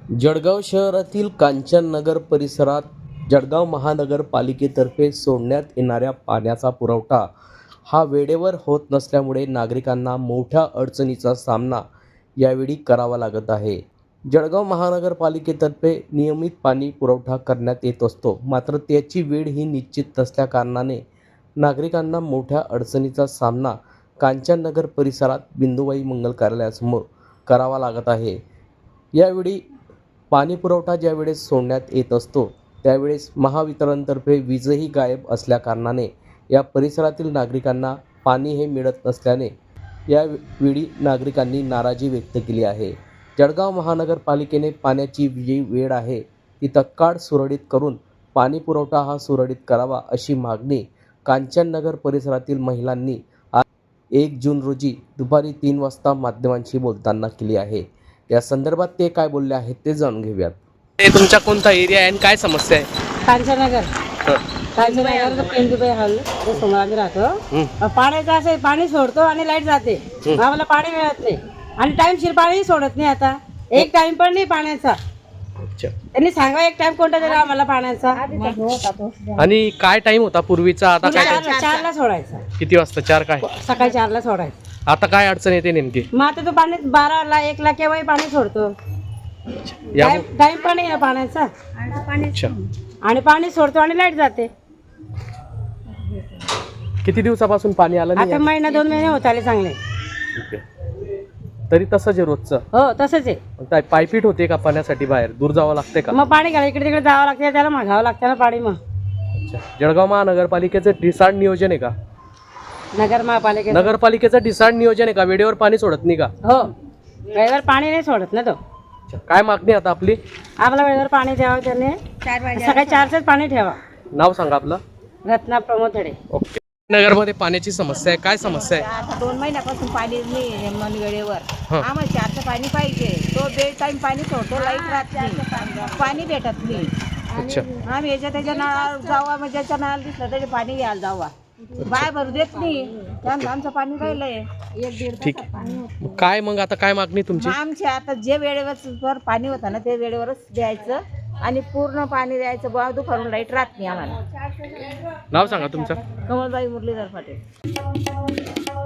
जळगाव शहरातील कांचननगर परिसरात जळगाव महानगरपालिकेतर्फे सोडण्यात येणाऱ्या पाण्याचा पुरवठा हा वेळेवर होत नसल्यामुळे नागरिकांना मोठ्या अडचणीचा सामना यावेळी करावा लागत आहे। जळगाव महानगरपालिकेतर्फे नियमित पाणी पुरवठा करण्यात येत असतो, मात्र त्याची वेळ ही निश्चित नसल्याकारणाने नागरिकांना मोठ्या अडचणीचा सामना कांचननगर परिसरात बिंदुबाई मंगल कार्यालयासमोर करावा लागत आहे। यावेळी पाणी पुरवठा ज्यावेळेस सोडण्यात येत असतो त्यावेळेस महावितरणतर्फे वीजही गायब असल्याकारणाने या परिसरातील नागरिकांना पाणी हे मिळत नसल्याने यावेळी नागरिकांनी नाराजी व्यक्त केली आहे। जळगाव महानगरपालिकेने पाण्याची जी वेळ आहे ती तत्काळ सुरळीत करून पाणी पुरवठा हा सुरळीत करावा अशी मागणी कांचननगर परिसरातील महिलांनी आज 1 जून रोजी दुपारी 3 वाजता माध्यमांशी बोलताना केली आहे। या संदर्भात ते काय बोलले आहेत ते जाणून घेऊयात। ते तुमचा कोणता एरिया आहे आणि काय समस्या आहे? कांचननगर कांचननगर पेंदुबाई हॉल समोर आम्ही राहतो। पाण्याचं असं पाणी सोडतो आणि लाईट जाते, आम्हाला पाणी मिळत नाही आणि टाइमशीर पाणी सोडत नाही। आता एक टाइम पण नाही पाण्याचा। त्यांनी सांगा एक टाइम कोणता तरी आम्हाला पाण्याचा। आणि काय टाइम होता पूर्वीचा, आता काय time? 4ला सोडायचा। किती वाजता? 4 काय? सकाळी 4ला सोडायचं। आता काय अडचण येते नेमकी? मग आता तो पाणी 12ला 1ला केव्हाही पाणी सोडतो, टाइम पण नाही पाण्याचा अच्छा। आणि पाणी सोडतो आणि लाईट जाते। किती दिवसापासून पाणी आलं नाही? आता महिना 2 महिने होत आले चांगले। ठीक आहे। तरी तसंच आहे रोजचं? हो तसंच आहे। काय पायपीट होते का पाण्यासाठी? बाहेर दूर जावं लागते का? मग पाणी घ्यायला इकडे तिकडे जावं लागतं, त्याला मागावं लागतं ना पाणी। मग अच्छा। जळगाव महानगरपालिकेचं डिसार्ड नियोजन आहे का? नगरपालिकेचं डिसार्ड नियोजन आहे का? वेळेवर पाणी सोडत नाही का? हो, वेळेवर पाणी नाही सोडत ना तो। अच्छा। काय मागणी आता आपली? आपला वेळेवर पाणी द्यावं त्याने, सकाळी 4च पाणी ठेवा। नाव सांगा आपलं? रत्ना प्रमोद. ओके। नगरमध्ये पाण्याची समस्या आहे, काय समस्या आहे? आता 2 महिन्यापासून पाणी नाही मन वेळेवर। आम्हाला 4चं पाणी पाहिजे, तो बेड टाइम पाणी सोडतो, लाईट राहत नाही, पाणी भेटत नाही। अच्छा। आम्ही याच्या त्याच्या नळाला जावा, म्हणजे ज्याच्या नळाला दिसलं तरी पाणी घ्यायला जावा, बाय भरू देत नाही, त्यामुळे आमचं पाणी राहिलंय 1-1.5 ठीक आहे। काय मग आता काय मागणी तुमची? आमचे आता जे वेळेवर पाणी होतं ना ते वेळेवरच द्यायचं आणि पूर्ण पाणी द्यायचं। बुवा दुपारून लाईट राहत नाही आम्हाला। नाव सांगा तुमचं? कमलबाई मुरलीधर पाटील।